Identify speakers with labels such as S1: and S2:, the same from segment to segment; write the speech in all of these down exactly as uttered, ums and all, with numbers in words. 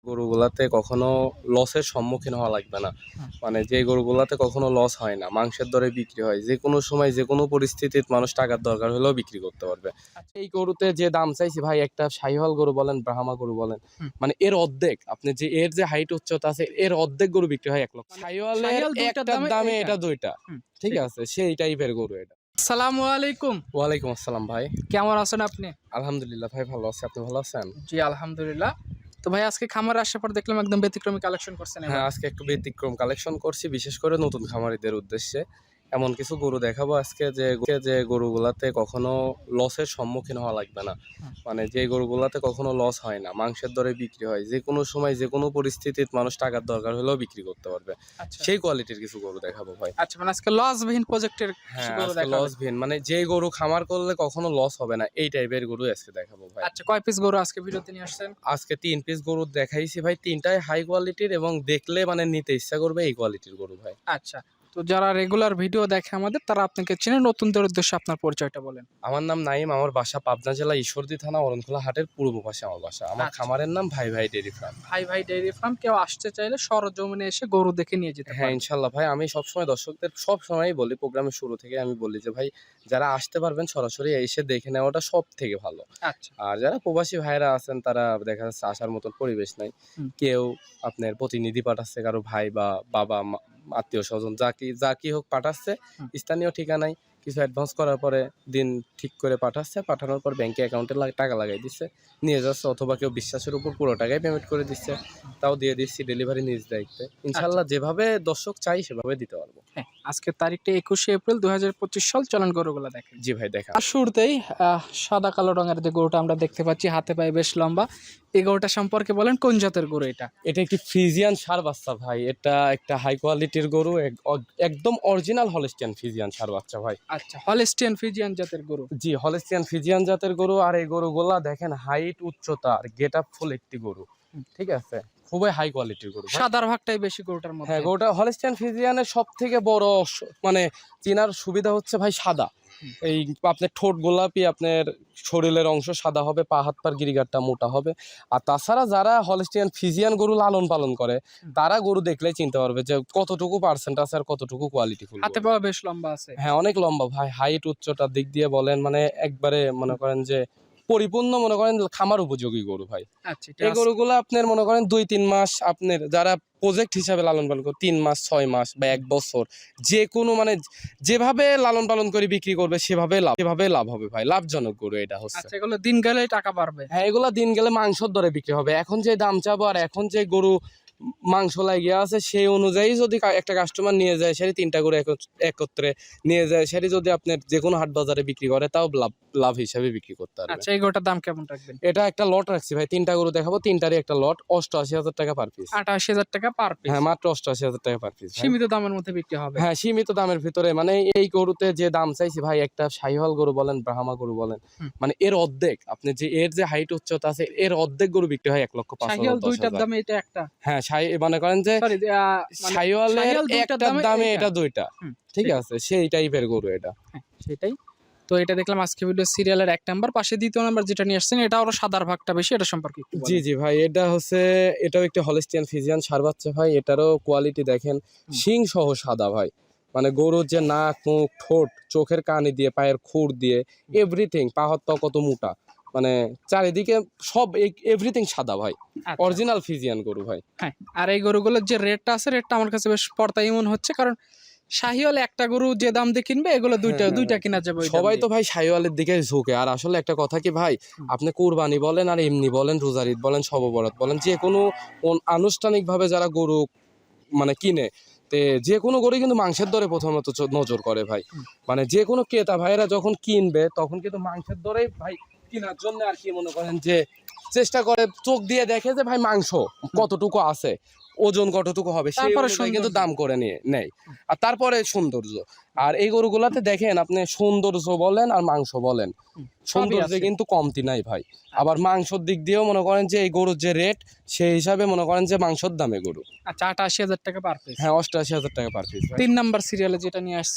S1: গরুগুলাতে কখনো লসের সম্মুখীন হওয়া লাগবে না। মানে যে গরুগুলাতে কখনো লস হয় না, মাংসের দরে বিক্রি হয়, যে কোনো সময় যে কোনো পরিস্থিতিতে মানুষ টাকার দরকার হলেও বিক্রি করতে পারবে। এই গরুতে যে দাম চাইছি ভাই, একটা শাহিওয়াল গরু বলেন, ব্রাহ্মা গরু বলেন,
S2: হুম।
S1: মানে এর অর্ধেক, আপনি যে এর যে হাইট উচ্চতা আছে এর অর্ধেক গরু বিক্রি হয় এক লক্ষ।
S2: মানে
S1: শাহিওয়ালের
S2: শাহিওয়াল দুইটার
S1: একটার
S2: দামে
S1: দামে
S2: এইটা।
S1: এটা দুইটা।
S2: হুম,
S1: ঠিক
S2: ঠিক।
S1: আছে, সেই টাইপের গরু এটা।
S2: আসসালামু আলাইকুম।
S1: ওয়ালাইকুম আসসালাম ভাই।
S2: কেমন আছেন আপনি?
S1: আলহামদুলিল্লাহ ভাই, ভালো আছি। আপনি ভালো আছেন?
S2: জি, আলহামদুলিল্লাহ। তো ভাই আজকে খামারে আসার পর দেখলাম একদম ব্যতিক্রমী কালেকশন করছেন এবার।
S1: হ্যাঁ, আজকে একটু ব্যতিক্রম কালেকশন করছি, বিশেষ করে নতুন খামারিদের উদ্দেশ্যে। এমন কিছু গরু দেখাবো আজকে যে যে গরুগুলাতে কখনো লসের সম্মুখীন হওয়া লাগবে না।
S2: হুম।
S1: মানে যে গরুগুলাতে কখনো লস হয় না, মাংসের দরে বিক্রি হয়, যে কোনো সময় যে কোনো পরিস্থিতিতে মানুষ টাকার দরকার হলেও বিক্রি করতে পারবে,
S2: আচ্ছা।
S1: সেই কোয়ালিটির কিছু গরু দেখাবো ভাই।
S2: আচ্ছা, মানে আজকে লসবিহীন প্রজেক্টের কিছু
S1: হ্যাঁ,
S2: গরু
S1: আজকে
S2: দেখাবেন।
S1: লস ভিন, মানে যে গরু খামার করলে কখনো লস হবে না, এই টাইপের গরু আজকে দেখাবো ভাই।
S2: আচ্ছা, কয় পিস গরু আজকে ভিডিওতে নিয়ে আসছেন?
S1: আজকে তিন পিস গরু দেখাইছি ভাই, তিনটাই হাই কোয়ালিটির এবং দেখলে মানে নিতে ইচ্ছা করবে এই কোয়ালিটির গরু ভাই।
S2: আচ্ছা। তো যারা রেগুলার ভিডিও দেখে আমাদের, তারা আপনাকে চেনে, নতুনদের উদ্দেশ্যে আপনার পরিচয়টা বলেন।
S1: আমার নাম নাইম, আমার বাসা পাবনা জেলা ঈশ্বরদী থানা অরণখোলা হাটের পূর্ব পাশে আমার বাসা। আমার
S2: আচ্ছা।
S1: খামারের নাম ভাই ভাই ডেইরি ফার্ম।
S2: ভাই ভাই ডেইরি ফার্ম, কেউ আসতে চাইলে সরজমিনে এসে গরু দেখে নিয়ে যেতে
S1: হ্যাঁ,
S2: পারে।
S1: ইনশাল্লাহ ভাই। আমি সবসময় দর্শকদের সবসময়ই বলি, প্রোগ্রামের শুরু থেকে আমি বলি যে ভাই, যারা আসতে পারবেন সরাসরি এসে দেখে নেওয়াটা সব থেকে ভালো।
S2: আচ্ছা।
S1: আর যারা প্রবাসী ভাইরা আছেন, তারা দেখা যাচ্ছে আসার মতন পরিবেশ নাই।
S2: হুম।
S1: কেউ আপনার প্রতিনিধি পাঠাচ্ছে, কারো ভাই বা বাবা আত্মীয় স্বজন যা কি যা কি হোক পাঠাচ্ছে,
S2: হুম।
S1: স্থানীয় ঠিকানায় কিছু অ্যাডভান্স করার পরে দিন ঠিক করে পাঠাচ্ছে, পাঠানোর পর ব্যাংকে অ্যাকাউন্টে টাকা লাগাই দিচ্ছে, নিয়ে যাচ্ছে, অথবা কেউ বিশ্বাসের উপর পুরো টাকাই পেমেন্ট করে দিচ্ছে, তাও দিয়ে দিচ্ছি ডেলিভারি নিজ দায়িত্বে। ইনশাল্লাহ যেভাবে দর্শক চাই সেভাবে দিতে পারবো।
S2: হ্যাঁ, আজকের তারিখটা একুশে এপ্রিল দুই হাজার পঁচিশ সাল। চলেন গরুগুলা দেখেন।
S1: জি ভাই, দেখা।
S2: আর শুরুতেই আহ, সাদা কালো রঙের যে গরুটা আমরা দেখতে পাচ্ছি, হাতে পায়ে বেশ লম্বা, এই গরুটা সম্পর্কে বলেন, কোন জাতের গরু এটা?
S1: এটা একটি ফ্রিজিয়ান ষাঁড় বাচ্চা ভাই। এটা একটা হাই কোয়ালিটির গরু, এক- অ- একদম অরিজিনাল হলস্টিয়ান ফ্রিজিয়ান ষাঁড় বাচ্চা ভাই।
S2: আচ্ছা, হলস্টিয়ান ফ্রিজিয়ান জাতের গরু।
S1: জি, হলস্টিয়ান ফ্রিজিয়ান জাতের গরু। আর এই গরুগুলা দেখেন হাইট, উচ্চতা আর গেট আপ ফুল একটি গরু।
S2: হুম।
S1: ঠিক আছে, খুবই হাই কোয়ালিটির গরু ভাই।
S2: সাদার ভাগটাই বেশি গরুটার মধ্যে।
S1: হ্যাঁ, গরুটা হলস্টিয়ান ফ্রিজিয়ানের সব থেকে বড় স- মানে চেনার সুবিধা হচ্ছে ভাই সাদা।
S2: হুম।
S1: এই আপনার ঠোঁট গোলাপি, আপনার শরীরের অংশ সাদা হবে, পা হাত পার গিরিগারটা মোটা হবে। আর তাছাড়া যারা হলস্টিয়ান ফ্রিজিয়ান গরু লালন পালন করে,
S2: হুম।
S1: তারা গরু দেখলেই চিনতে পারবে যে কতটুকু পার্সেন্ট আছে আর কতটুকু কোয়ালিটি ফুল।
S2: হাতে পাওয়া বেশ লম্বা আছে।
S1: হ্যাঁ, অনেক লম্বা ভাই। হাইট উচ্চতার দিক দিয়ে বলেন, মানে একবারে মনে করেন যে পরিপূর্ণ, মনে করেন খামার উপযোগী গরু ভাই।
S2: আচ্ছা, এটা
S1: এই
S2: আজকে-
S1: গরুগুলো আপনার মনে করেন দুই তিন মাস, আপনার যারা প্রজেক্ট হিসাবে লালন পালন করে তিন মাস, ছয় মাস বা এক বছর, যে কোনো মানে যেভাবে লালন পালন করে বিক্রি করবে সেভাবে লাভ সেভাবে লাভ হবে ভাই। লাভজনক গরু এটা হচ্ছে।
S2: আচ্ছা, এগুলো দিন গেলে টাকা বাড়বে।
S1: হ্যাঁ, এগুলা দিন গেলে মাংসর দরে বিক্রি হবে। এখন যে দাম চাবো আর এখন যে গরু মাংস লাগিয়ে আছে, সেই অনুযায়ী যদি কা- একটা কাস্টমার নিয়ে যায়, সেটি তিনটা গরু একত্র- একত্রে নিয়ে যায়, সেটি যদি আপনার যে কোনো হাট বাজারে বিক্রি করে, তাও লাভ লাভ হিসাবে বিক্রি করতে পারবে।
S2: আচ্ছা, এই গরুটার দাম কেমন রাখবেন?
S1: এটা একটা লট রাখছি ভাই, তিনটা গরু দেখাবো, তিনটারই একটা লট, অষ্টআশি হাজার টাকা পার পিস।
S2: আটাশি হাজার টাকা পার পিস।
S1: হ্যাঁ, মাত্র অষ্টআশি হাজার টাকা পার পিস।
S2: সীমিত দামের মধ্যে বিক্রি হবে।
S1: হ্যাঁ, সীমিত দামের ভিতরে, মানে এই গরুতে যে দাম চাইছি ভাই, একটা শাহিওয়াল গরু বলেন, ব্রাহ্মা গরু বলেন,
S2: হুম।
S1: মানে এর অর্ধেক, আপনি যে এর যে হাইট উচ্চতা আছে এর অর্ধেক গরু বিক্রি হয় এক লক্ষ পাঁচ হাজার
S2: শাহিওয়াল
S1: দশ
S2: দুইটার
S1: হাজার।
S2: দামে এটা একটা।
S1: হ্যাঁ, শাহি মনে করেন যে
S2: সরি,
S1: শাহিওয়ালের
S2: শাহিওয়াল দুইটার
S1: একটার
S2: দামে
S1: দামে
S2: এইটা।
S1: এটা দুইটা।
S2: হুম,
S1: ঠিক
S2: ঠিক।
S1: আছে, সেই টাইপের গরু এটা।
S2: হ্যাঁ, সেটাই। তো এটা দেখলাম আজকে ভিডিও সিরিয়ালের এক নাম্বার, পাশে দ্বিতীয় নাম্বার যেটা নিয়ে আসছেন, এটা আরো সাদার ভাগটা বেশি, এটা সম্পর্কে একটু বলেন।
S1: জি জি ভাই, এটা হচ্ছে এটাও একটি হলস্টিয়ান ফ্রিজিয়ান ষাঁড় বাচ্চা ভাই। এটারও কোয়ালিটি দেখেন, শিং সহ সাদা ভাই। মানে গরুর যে নাক, মুখ, ঠোঁট, চোখের কানি দিয়ে, পায়ের খুর দিয়ে, এভরিথিং, পা হাত পা কত মোটা, মানে চারিদিকে সব এভরিথিং সাদা ভাই।
S2: আচ্ছা।
S1: অরিজিনাল ফ্রিজিয়ান গরু ভাই।
S2: হ্যাঁ, আর এই গরুগুলোর যে রেটটা আছে, রেটটা আমার কাছে বেশ পর্তাই মনে হচ্ছে, কারণ শাহিওয়াল একটা গরু যে দাম দিয়ে কিনবে, এগুলো দুইটা
S1: হ্যাঁ,
S2: দুইটা
S1: হ্যাঁ।
S2: কিনা যাবে ওই দাম
S1: সবাই
S2: দিয়ে।
S1: তো ভাই শাহিওয়ালের দিকে ঝুঁকে। আর আসলে একটা কথা কি ভাই,
S2: হুম।
S1: আপনি কুরবানি বলেন আর এমনি বলেন, রোজার ঈদ বলেন, শবে বরাত বলেন, যে কোনো আনুষ্ঠানিক ভাবে যারা গরু মানে কিনে, তে যে কোনো গরু কিন্তু মাংসের দরে প্রথমত চ- নজর করে ভাই।
S2: হুম।
S1: মানে যে কোনো ক্রেতা ভাইয়েরা যখন কিনবে, তখন কিন্তু মাংসের দরেই ভাই কেনার জন্য আর কি মনে করেন যে চেষ্টা করে, চোখ দিয়ে দেখে যে ভাই মাংস কতটুকু আছে, ওজন কতটুকু হবে, সেই
S2: তারপরে
S1: অনুযায়ী কিন্তু
S2: সৌন্দর্য।
S1: দাম করে নিয়ে নেয়। আর তারপরে সৌন্দর্য। আর এই গরুগুলাতে দেখেন আপনি, সৌন্দর্য বলেন আর মাংস বলেন,
S2: হুম, সবই
S1: সৌন্দর্যে
S2: আছে।
S1: কিন্তু কমতি নাই ভাই। আবার মাংসর দিক দিয়েও মনে করেন যে এই গরুর যে রেট, সেই হিসাবে মনে করেন যে মাংসর দামে গরু।
S2: আচ্ছা, আটাশি হাজার টাকা পার পিস।
S1: হ্যাঁ, অষ্টআশি হাজার টাকা পার পিস ভাই।
S2: তিন নাম্বার সিরিয়ালে যেটা নিয়ে আসছেন,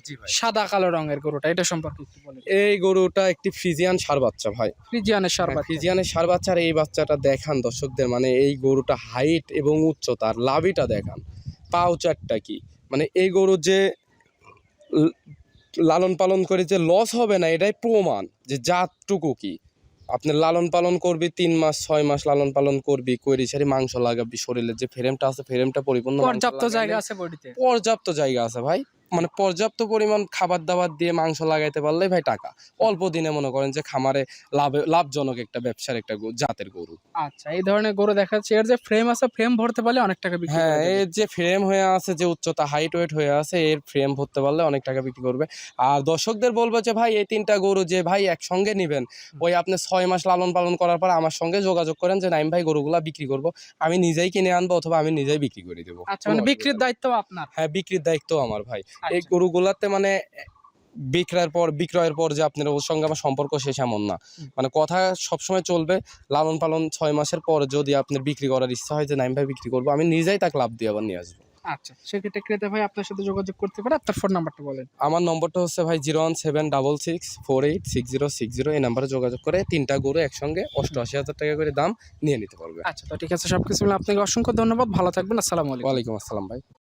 S1: জি ভাই।
S2: সাদা কালো রঙের গরুটা, এটা সম্পর্কে একটু বলেন।
S1: এই গরুটা একটি ফ্রিজিয়ান ষাঁড় বাচ্চা ভাই।
S2: ফ্রিজিয়ানের সার
S1: হ্যাঁ,
S2: বাচ্চা।
S1: ফ্রিজিয়ানের ষাঁড় বাচ্চার এই বাচ্চাটা দেখান দর্শকদের, মানে এই গরুটা হাইট এবং উচ্চতার লাভিটা দেখান, পাও চারটা কি, মানে এই গরুর যে ল- লালন পালন করে যে লস হবে না এটাই প্রমাণ যে জাতটুকু কি। আপনি লালন পালন করবি তিন মাস ছয় মাস লালন পালন করবি, কইরি সারি মাংস লাগাবি, শরীরের যে ফ্রেমটা আছে ফ্রেমটা পরিপূর্ণ মাংস
S2: পর্যাপ্ত
S1: লাগাইলে-
S2: জায়গা আছে বডিতে।
S1: পর্যাপ্ত জায়গা আছে ভাই, মানে পর্যাপ্ত পরিমাণ খাবার দাবার দিয়ে মাংস লাগাইতে পারলেই ভাই টাকা। অল্প দিনে মনে করেন যে খামারে লাভে লাভজনক একটা ব্যবসার একটা গো- জাতের গরু।
S2: আচ্ছা, এই ধরনের গরু দেখা যাচ্ছে এর যে ফ্রেম আছে, ফ্রেম ভরতে পারলে অনেক টাকা বিক্রি
S1: হ্যাঁ,
S2: করা যাবে।
S1: এর যে ফ্রেম হয়ে আছে, যে উচ্চতা হাইট ওয়েট হয়ে আছে, এর ফ্রেম ভরতে পারলে অনেক টাকা বিক্রি করবে। আর দর্শকদের বলবো যে ভাই এই তিনটা গরু যে ভাই একসঙ্গে নিবেন, ওই আপনি ছয় মাস লালন পালন করার পর আমার সঙ্গে যোগাযোগ করেন যে নাইম ভাই গরুগুলা বিক্রি করব, আমি নিজেই কিনে আনবো অথবা আমি নিজেই বিক্রি করে দেবো।
S2: আচ্ছা, মানে বিক্রির দায়িত্ব আপনার।
S1: হ্যাঁ, বিক্রির দায়িত্ব আমার ভাই। এই
S2: আচ্ছা।
S1: গরুগুলাতে মানে বিক্রয়ের পর বিক্রয়ের পর যে আপনার ওর সঙ্গে আমার সম্পর্ক শেষ এমন না,
S2: হুম।
S1: মানে কথা সবসময় চলবে। লালন পালন ছয় মাসের পর যদি আপনার বিক্রি করার ইচ্ছা হয় যে নাইম ভাই বিক্রি করবো, আমি নিজেই তাকে লাভ দিয়ে আবার নিয়ে আসবো।
S2: আচ্ছা, সেক্ষেত্রে ক্রেতা ভাই আপনার সাথে যোগাযোগ করতে পারে। আপনার ফোন নাম্বারটা বলেন।
S1: আমার নম্বরটা হচ্ছে ভাই zero one seven double six four eight six zero six zero এই নাম্বারে যোগাযোগ করে তিনটা গরু একসঙ্গে অষ্টআশি হাজার টাকা করে দাম নিয়ে নিতে পারবে।
S2: আচ্ছা, তো ঠিক আছে, সবকিছু মিলে আপনাকে অসংখ্য ধন্যবাদ, ভালো থাকবেন, আসসালামু আলাইকুম।
S1: ওয়ালাইকুম আসসালাম ভাই।